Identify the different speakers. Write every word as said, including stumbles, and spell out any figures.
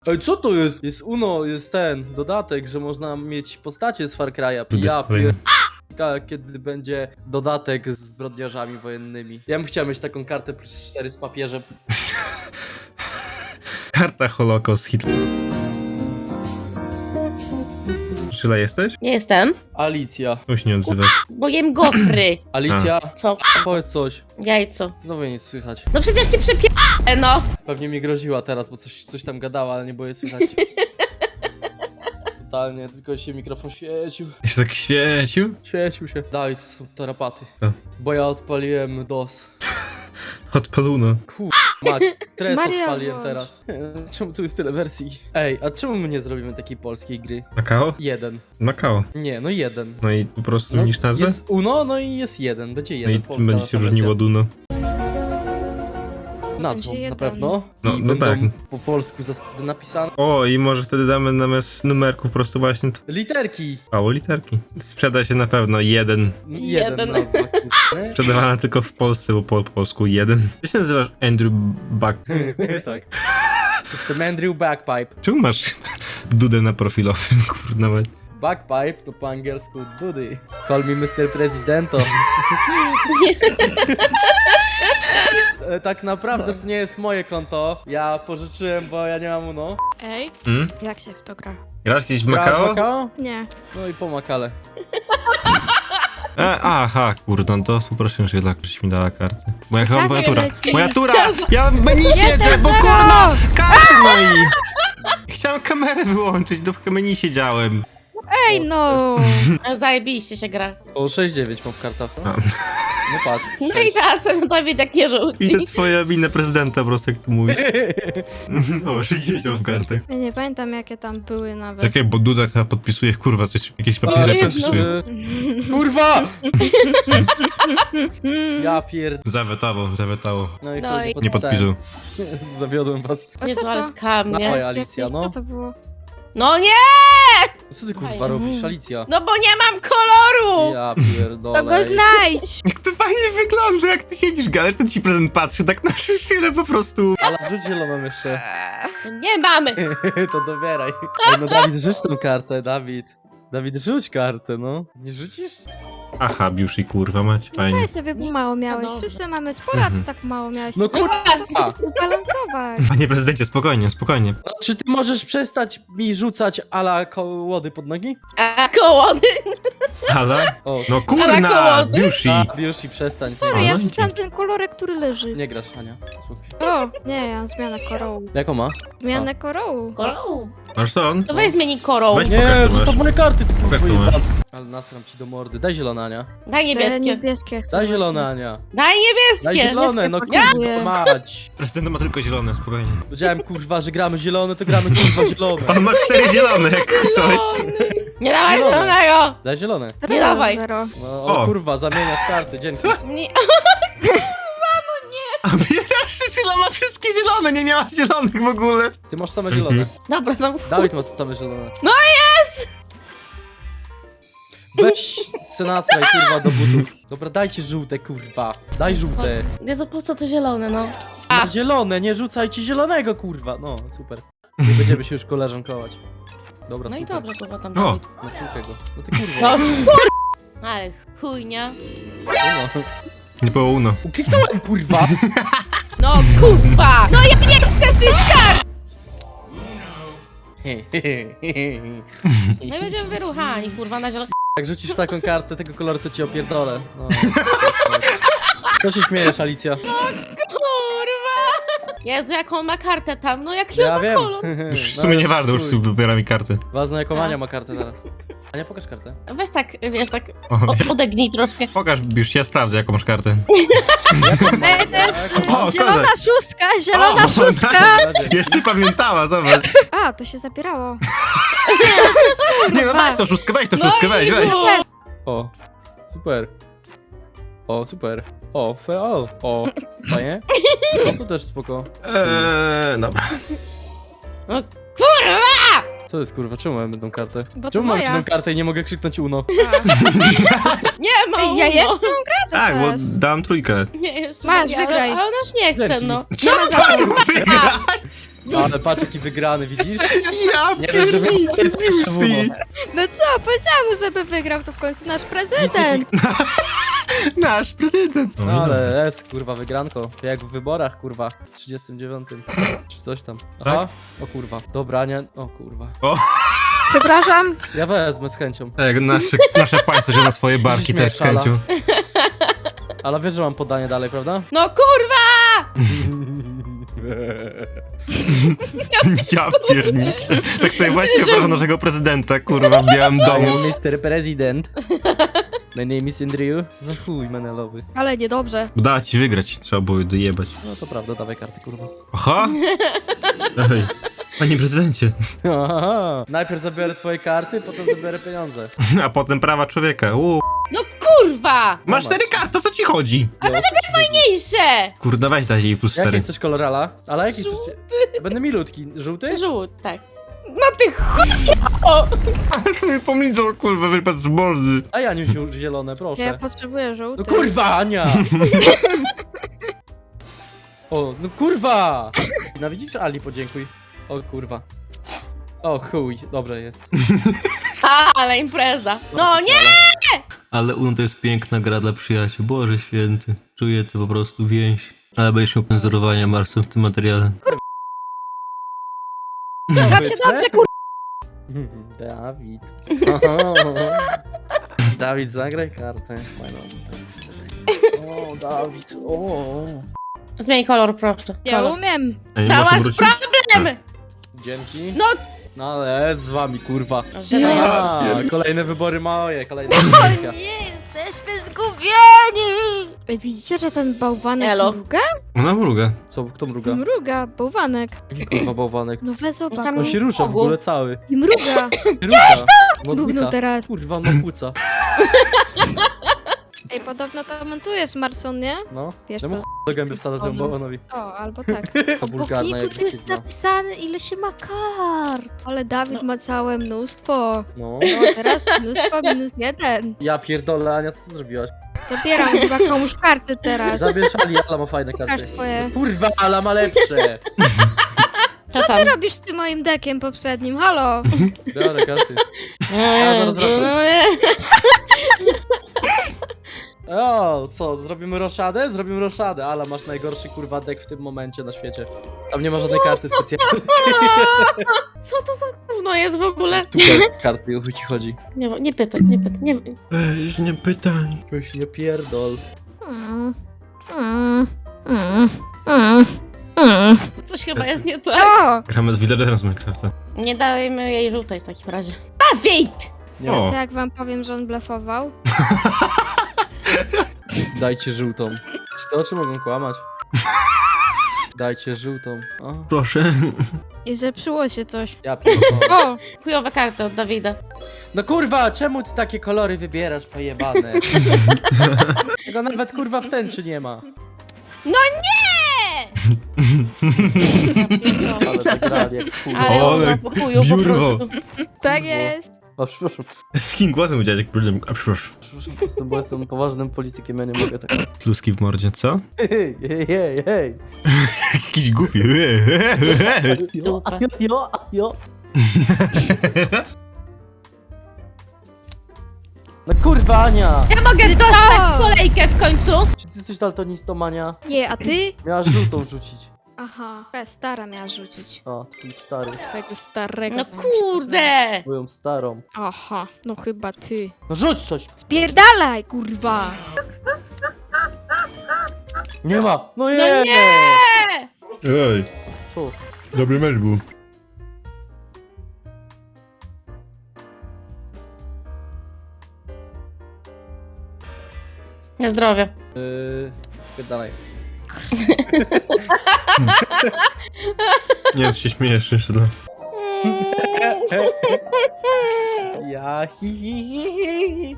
Speaker 1: Ej, co to jest? Jest Uno, jest ten dodatek, że można mieć postacie z Far Cry'a. Ja pier... Kiedy będzie dodatek z zbrodniarzami wojennymi. Ja bym chciał mieć taką kartę plus cztery z papieżem.
Speaker 2: Karta Holocaust Hitler. Czyla jesteś?
Speaker 3: Nie jestem,
Speaker 1: Alicja.
Speaker 2: Czemu się nie odzywasz?
Speaker 3: bo jem gofry.
Speaker 1: Alicja,
Speaker 3: Co?
Speaker 1: powiedz coś.
Speaker 3: Jajco.
Speaker 1: Znowu nic słychać.
Speaker 3: No przecież ci przepię... no.
Speaker 1: Pewnie mi groziła teraz, bo coś, coś tam gadała, ale nie było jej słychać. Totalnie, tylko się mikrofon świecił.
Speaker 2: Się tak świecił?
Speaker 1: Świecił się. Daj, to są tarapaty.
Speaker 2: Co?
Speaker 1: Bo ja odpaliłem DOS.
Speaker 2: Odpaluno.
Speaker 1: Kur... Mać, tres
Speaker 4: Maria,
Speaker 1: odpaliłem
Speaker 4: włącz.
Speaker 1: teraz. Czemu tu jest tyle wersji? Ej, a czemu my nie zrobimy takiej polskiej gry?
Speaker 2: Makao?
Speaker 1: Jeden.
Speaker 2: Makao.
Speaker 1: Nie, no jeden.
Speaker 2: No i po prostu
Speaker 1: No,
Speaker 2: zmienisz nazwę?
Speaker 1: jest Uno, no i jest jeden. Będzie
Speaker 2: No
Speaker 1: jeden.
Speaker 2: i
Speaker 1: Polska
Speaker 2: czym będzie się
Speaker 1: wersja.
Speaker 2: różniło od Uno?
Speaker 1: Nazwą,
Speaker 4: Będzie
Speaker 1: na
Speaker 4: jeden.
Speaker 1: pewno.
Speaker 2: No-
Speaker 1: I
Speaker 2: no
Speaker 1: będą
Speaker 2: tak.
Speaker 1: po polsku zasady napisane.
Speaker 2: O, i może wtedy damy zamiast numerków po prostu właśnie
Speaker 1: Literki.
Speaker 2: mało literki. Sprzeda się na pewno jeden.
Speaker 1: Jeden,
Speaker 3: Jeden.
Speaker 1: nazwa. kurczę.
Speaker 2: Sprzedawana tylko w Polsce, bo po polsku jeden. Ty się nazywasz Andrew Buck.
Speaker 1: Tak. Jestem Andrew Backpipe.
Speaker 2: Czemu masz dudę na profilowym, kurna mać?
Speaker 1: Backpipe to po angielsku dudy. Call me mister Presidento. E, Tak naprawdę to nie jest moje konto. Ja pożyczyłem, bo ja nie mam Uno.
Speaker 4: Ej,
Speaker 2: Hmm?
Speaker 4: jak się w to gra?
Speaker 2: Grasz kiedyś w
Speaker 1: Grasz w
Speaker 2: Makao?
Speaker 1: Makao?
Speaker 4: Nie.
Speaker 1: No i po Makale.
Speaker 2: E, aha, kurde, no to super, że dla ktoś mi dała kartę. Moja chyba
Speaker 4: Czas
Speaker 2: moja tura.
Speaker 4: leci.
Speaker 2: Moja tura! Ja w menu siedzę, bo
Speaker 4: zero!
Speaker 2: kurna! Karty no i... Chciałem kamerę wyłączyć, do w menu siedziałem.
Speaker 4: Ej, no!
Speaker 3: A zajebiście się gra.
Speaker 1: O sześć dziewięć mam w kartach.
Speaker 2: A.
Speaker 1: No patrz.
Speaker 3: No i
Speaker 1: sześć.
Speaker 3: teraz coś na tobie tak nie rzuci.
Speaker 2: Widzę twoje minę prezydenta po prostu, jak tu mówisz. O, sześćdziesiąt w kartach.
Speaker 4: Ja nie pamiętam, jakie tam były nawet.
Speaker 2: Czekaj, bo Duda chyba podpisuje, kurwa, coś, jakieś
Speaker 1: O,
Speaker 2: papiery
Speaker 3: Jezu.
Speaker 2: podpisuje.
Speaker 1: e, Kurwa! Ja pierd...
Speaker 2: Zawetało, zawetało.
Speaker 1: No i
Speaker 3: No
Speaker 1: chuj,
Speaker 3: i-
Speaker 2: Nie podpisał.
Speaker 1: Zawiodłem was.
Speaker 4: O,
Speaker 3: Jezu,
Speaker 4: co
Speaker 3: ale
Speaker 4: to?
Speaker 3: skam,
Speaker 1: Dawaj,
Speaker 3: nie?
Speaker 1: Alicja,
Speaker 4: Jakieś-
Speaker 1: no.
Speaker 4: Co to było?
Speaker 3: No nie!
Speaker 1: Co ty kurwa
Speaker 3: Fajnie.
Speaker 1: robisz, Alicja?
Speaker 3: No bo nie mam koloru!
Speaker 1: Ja pierdolę.
Speaker 4: To go znajdź!
Speaker 2: Jak to fajnie wygląda, jak ty siedzisz, galer, ten ci prezent patrzy, tak na szyle po prostu.
Speaker 1: Ale rzuć zieloną jeszcze.
Speaker 3: No nie mamy!
Speaker 1: To dobieraj. Ej, no Dawid, rzuć tą kartę, Dawid. Dawid, rzuć kartę, no. Nie rzucisz?
Speaker 2: Aha, Biushi, kurwa mać, fajnie.
Speaker 4: Weź sobie, bo mało miałeś.
Speaker 3: dobrze.
Speaker 4: Wszyscy mamy sporo, a ty tak mało miałeś.
Speaker 1: No
Speaker 4: To
Speaker 1: kurwa.
Speaker 4: trzeba zbalansować.
Speaker 2: Panie prezydencie, spokojnie, spokojnie.
Speaker 1: No, czy ty możesz przestać mi rzucać ala kołody pod nogi?
Speaker 3: A kołody!
Speaker 2: Ale?
Speaker 1: O,
Speaker 2: No
Speaker 3: Ale
Speaker 2: kurna,
Speaker 3: kołody?
Speaker 2: Biushi.
Speaker 1: a, już i przestań.
Speaker 4: Sorry,
Speaker 2: A,
Speaker 4: ja
Speaker 2: no i
Speaker 4: rzucam
Speaker 2: git.
Speaker 4: ten kolorek, który leży.
Speaker 1: Nie grasz, Ania. Spokój.
Speaker 4: O, nie, ja mam zmianę korołu.
Speaker 1: Jaką ma?
Speaker 4: Zmianę korołu.
Speaker 3: Koroł!
Speaker 2: Masz co on?
Speaker 3: To weź zmieni korą.
Speaker 2: Weź-
Speaker 1: Nie,
Speaker 2: Pokaż, co
Speaker 1: zostaw
Speaker 2: masz.
Speaker 1: moje karty, ty
Speaker 2: Pokaż, co
Speaker 1: kurwa
Speaker 2: masz.
Speaker 1: jebana. Ale nasram ci do mordy. Daj zielone, Ania.
Speaker 3: Daj
Speaker 4: Te
Speaker 3: niebieskie.
Speaker 4: niebieskie chcę.
Speaker 1: Daj
Speaker 4: właśnie.
Speaker 1: zielone, Ania.
Speaker 3: Daj
Speaker 1: Daj
Speaker 3: niebieskie!
Speaker 1: zielone, no
Speaker 4: Niebieskie
Speaker 1: kurwa
Speaker 4: potrzebuję.
Speaker 1: mać.
Speaker 2: Prezydent ma tylko zielone, spokojnie.
Speaker 1: Powiedziałem kurwa, że gramy zielone, to gramy kurwa zielone.
Speaker 2: On ma cztery zielone, jak coś.
Speaker 3: Nie dawaj
Speaker 1: Zielone.
Speaker 3: zielonego!
Speaker 1: Daj zielone.
Speaker 4: Zero,
Speaker 3: Nie dawaj.
Speaker 4: zero.
Speaker 1: No, o,
Speaker 2: O.
Speaker 1: kurwa, zamieniasz karty, dzięki.
Speaker 3: Nie.
Speaker 2: A bieda Szyla ma wszystkie zielone, nie miała zielonych w ogóle.
Speaker 1: Ty masz same zielone.
Speaker 3: Dobra, no.
Speaker 1: Dawid ma same zielone.
Speaker 3: No jest!
Speaker 1: Weź senastraj kurwa do butów. Dobra, dajcie żółte kurwa. Daj żółte.
Speaker 3: Jezu, po co to zielone, no? A.
Speaker 1: Ma zielone, nie rzucajcie zielonego kurwa. No, super. Nie będziemy się już koleżankować. Dobra,
Speaker 3: No i
Speaker 1: super.
Speaker 3: dobra, kurwa tam.
Speaker 2: O.
Speaker 3: Dawid.
Speaker 1: No słuchaj go. No ty
Speaker 3: No
Speaker 1: kurwa.
Speaker 3: kur... Ale chujnia.
Speaker 1: No, no.
Speaker 2: Nie było uno.
Speaker 1: Ukliknąłem kurwa.
Speaker 3: No kurwa! No ja niestety kar! No i będziemy wyruchani, kurwa, na zielono.
Speaker 1: Jak rzucisz taką kartę tego koloru, to ci opierdolę. No. Co się śmiejesz, Alicja?
Speaker 3: Kurwa! Jezu, jaką on ma kartę tam, no jaki on
Speaker 1: Ja
Speaker 3: ma
Speaker 1: wiem.
Speaker 3: kolor.
Speaker 2: Już w
Speaker 1: No,
Speaker 2: sumie
Speaker 1: ale
Speaker 2: nie warto, już
Speaker 1: chuj.
Speaker 2: sobie wybiera mi kartę.
Speaker 1: Ważne jaką
Speaker 3: A.
Speaker 1: Ania ma kartę teraz. Ania, pokaż kartę.
Speaker 3: Weź tak, wiesz, tak
Speaker 2: O,
Speaker 3: o, odegnij troszkę.
Speaker 2: pokaż, Biushi, ja sprawdzę, jaką masz kartę.
Speaker 4: Ej, to jest
Speaker 2: O,
Speaker 4: zielona
Speaker 2: kozak.
Speaker 4: szóstka, zielona
Speaker 2: O,
Speaker 4: szóstka!
Speaker 2: Jeszcze pamiętała, zobacz.
Speaker 4: A, to się zabierało.
Speaker 2: Nie no, weź to szóstkę, weź to
Speaker 3: No
Speaker 2: szóstkę,
Speaker 3: i
Speaker 2: weź, weź.
Speaker 3: było.
Speaker 1: O, super. O, super. O, fe, o, o, fajnie. No to też spoko.
Speaker 2: Eee, dobra.
Speaker 3: No kurwa!
Speaker 1: Co jest kurwa, czemu mamy jedną kartę?
Speaker 4: Bo to
Speaker 1: Czemu mam
Speaker 4: moja.
Speaker 1: jedną kartę i nie mogę krzyknąć Uno?
Speaker 3: Nie ma
Speaker 4: Ej, ja
Speaker 3: Uno.
Speaker 4: jeszcze mam grać,
Speaker 2: Tak, bo
Speaker 4: chcesz?
Speaker 2: dam trójkę.
Speaker 3: Nie, jeszcze
Speaker 4: Masz,
Speaker 3: mogę,
Speaker 4: wygraj.
Speaker 3: Ale, ale ona już nie chce,
Speaker 1: Zerknij.
Speaker 3: no.
Speaker 4: Nie ma za co.
Speaker 1: Ale patrz jaki wygrany, widzisz?
Speaker 2: Ja
Speaker 1: Nie wiem, żeby-
Speaker 2: pierniczy.
Speaker 4: No co, powiedziałam mu, żeby wygrał, to w końcu nasz prezydent.
Speaker 2: Nasz prezydent.
Speaker 1: No, ale jest kurwa wygranko. Jak w wyborach kurwa. W trzydziestym dziewiątym. Czy coś tam. Aha. O kurwa. Dobra, nie. O kurwa.
Speaker 4: Przepraszam.
Speaker 1: Ja wezmę z chęcią.
Speaker 2: Tak, nasze, nasze państwo się na swoje barki też z
Speaker 1: Śmieszala.
Speaker 2: chęcią.
Speaker 1: Ale wiesz, że mam podanie dalej, prawda?
Speaker 3: No kurwa!
Speaker 2: Ja pierniczę. Tak sobie właśnie wyobrażam naszego prezydenta, kurwa, w Białym Domu.
Speaker 1: mister President. My name is Andrew. Co za chuj menelowy.
Speaker 4: Ale niedobrze.
Speaker 2: Udało ci wygrać, trzeba było dojebać.
Speaker 1: No to prawda, dawaj karty kurwa.
Speaker 2: Aha! Ej, panie prezydencie.
Speaker 1: Aha. Najpierw zabiorę twoje karty, potem zabiorę pieniądze.
Speaker 2: A potem prawa człowieka. Uuu.
Speaker 3: No kurwa!
Speaker 2: Masz cztery karty, o co ci chodzi?
Speaker 1: Ale
Speaker 3: Mniejsze!
Speaker 2: Kurde, weź daj jej plus
Speaker 1: Jaki
Speaker 2: cztery.
Speaker 1: chcesz kolorala? Ale jaki chcesz? Będę milutki. Żółty?
Speaker 3: Żółt, tak. No ty chujo!
Speaker 2: Ale mi pomnidzą, kurwa, wypad z borzy.
Speaker 1: A Janiusiu, zielone, proszę.
Speaker 4: Ja potrzebuję żółty.
Speaker 1: No kurwa, Ania! O, no kurwa! No widzisz, Ali, podziękuj. O kurwa. O chuj, dobrze jest.
Speaker 3: A, ale impreza. No nie!
Speaker 2: Ale Uno to jest piękna gra dla przyjaciół. Boże święty. Czuję to po prostu więź. Ale będziesz miał cenzurowania Marsu w tym materiale.
Speaker 4: Baw się dobrze, kur...
Speaker 1: Dawid. Oho. Dawid, zagraj kartę. Fajną. O, Dawid, o.
Speaker 3: Zmień kolor, proszę.
Speaker 4: Ja
Speaker 3: Kolor.
Speaker 4: umiem.
Speaker 2: A nie
Speaker 3: Dałaś
Speaker 2: można wrócić?
Speaker 3: problem!
Speaker 1: Dzięki.
Speaker 3: No.
Speaker 1: No ale z wami, kurwa.
Speaker 3: Że to ja.
Speaker 1: A, kolejne wybory moje, kolejna
Speaker 4: O
Speaker 1: edycja.
Speaker 4: nie, jesteśmy zgubieni! Ej, widzicie, że ten bałwanek
Speaker 3: Elo.
Speaker 4: mruga?
Speaker 2: Ona mruga.
Speaker 1: Co, kto mruga?
Speaker 4: Mruga, bałwanek.
Speaker 1: Jaki kurwa bałwanek?
Speaker 4: No weź zobacz.
Speaker 3: Tam-
Speaker 1: On się rusza w
Speaker 3: Ogu.
Speaker 1: ogóle cały.
Speaker 4: I mruga.
Speaker 1: Gdzieś to?
Speaker 4: Mrugnął teraz.
Speaker 1: Kurwa, on ma płuca.
Speaker 4: Ej, podobno to montujesz, Marson, nie?
Speaker 1: No.
Speaker 4: Wiesz
Speaker 1: Ja mu
Speaker 4: co?
Speaker 1: ch- do gęby wsadzę temu bałwanowi.
Speaker 4: O, albo tak.
Speaker 1: To
Speaker 4: Po
Speaker 1: wulgarna
Speaker 4: kliku
Speaker 1: jak
Speaker 4: tu jest
Speaker 1: agresywna.
Speaker 4: napisane, ile się ma kart. Ale Dawid
Speaker 3: No.
Speaker 4: ma całe mnóstwo.
Speaker 1: No.
Speaker 4: No, teraz mnóstwo minus jeden.
Speaker 1: Ja pierdolę, Ania, co ty zrobiłaś?
Speaker 4: Zabieram chyba komuś karty teraz.
Speaker 1: Zabierz Ali, Ala ma fajne
Speaker 4: Pokaż
Speaker 1: karty.
Speaker 4: twoje.
Speaker 1: Kurwa, Ala ma lepsze.
Speaker 3: Co
Speaker 4: Co
Speaker 3: tam?
Speaker 4: ty robisz z tym moim dekiem poprzednim? Halo?
Speaker 1: Biorę karty.
Speaker 3: Ja
Speaker 1: zaraz wracam. O, co, zrobimy roszadę? Zrobimy roszadę. Ala, masz najgorszy kurwa dek w tym momencie na świecie. Tam nie ma żadnej karty specjalnej.
Speaker 3: Co to za gówno jest w ogóle?
Speaker 1: Super karty, o chuj ci chodzi.
Speaker 3: Nie, nie pytaj, nie pytaj, nie
Speaker 2: Weź, nie pytaj.
Speaker 1: Weź nie pierdol.
Speaker 4: Mm, mm, mm, mm, mm.
Speaker 3: Coś chyba jest nie tak.
Speaker 4: O!
Speaker 2: Gramy z Villagerem z Minecrafta.
Speaker 3: Nie dajmy jej żółtej w takim razie. Dawid!
Speaker 1: Nie,
Speaker 2: O.
Speaker 4: Co jak wam powiem, że on blefował?
Speaker 1: dajcie żółtą. Czy te oczy mogą kłamać? Dajcie żółtą. O,
Speaker 2: Proszę.
Speaker 4: I zepsuło się coś.
Speaker 1: ja pierdolę.
Speaker 4: O!
Speaker 3: Chujowe karty od Dawida.
Speaker 1: No kurwa, czemu ty takie kolory wybierasz, pojebane? Tego nawet kurwa w tęczy nie ma.
Speaker 3: No nie!
Speaker 1: Ale zagrali jak chuj.
Speaker 3: Ale
Speaker 2: O, ale
Speaker 3: ona po chuju po
Speaker 2: biurwo.
Speaker 3: prostu.
Speaker 4: Tak jest.
Speaker 1: O, przepraszam.
Speaker 2: Z kim głosem udziałać, jak powiedziałem, a przepraszam.
Speaker 1: Przepraszam, po prostu, bo jestem poważnym politykiem, ja nie mogę tak.
Speaker 2: Kluski w mordzie, co?
Speaker 1: Hej, hej, hej, hej.
Speaker 2: Jakiś głupi.
Speaker 1: Jo,
Speaker 3: Dupę.
Speaker 1: jo, jo, jo. No kurwa, Ania!
Speaker 3: Ja mogę
Speaker 4: Ty
Speaker 3: dostać
Speaker 4: co?
Speaker 3: kolejkę w końcu?
Speaker 1: Czy ty jesteś daltonistą, Ania?
Speaker 4: Nie, a ty?
Speaker 1: Miałaś żółtą rzucić.
Speaker 4: Aha. Twoja stara miała rzucić.
Speaker 1: O, twój stary.
Speaker 4: Twojego starego.
Speaker 3: No
Speaker 4: co mu się
Speaker 3: kurde!
Speaker 1: Moją starą.
Speaker 4: poznało. Aha, no chyba ty.
Speaker 1: No rzuć coś!
Speaker 4: Spierdalaj, kurwa!
Speaker 1: Nie ma! No nie!
Speaker 3: No nie!
Speaker 2: Ej,
Speaker 1: Co?
Speaker 2: dobry mecz był.
Speaker 3: Na zdrowie.
Speaker 1: Yy, spierdalaj.
Speaker 2: Nie, się śmiejesz jeszcze. No.
Speaker 1: Ja hi hi hi hi hi.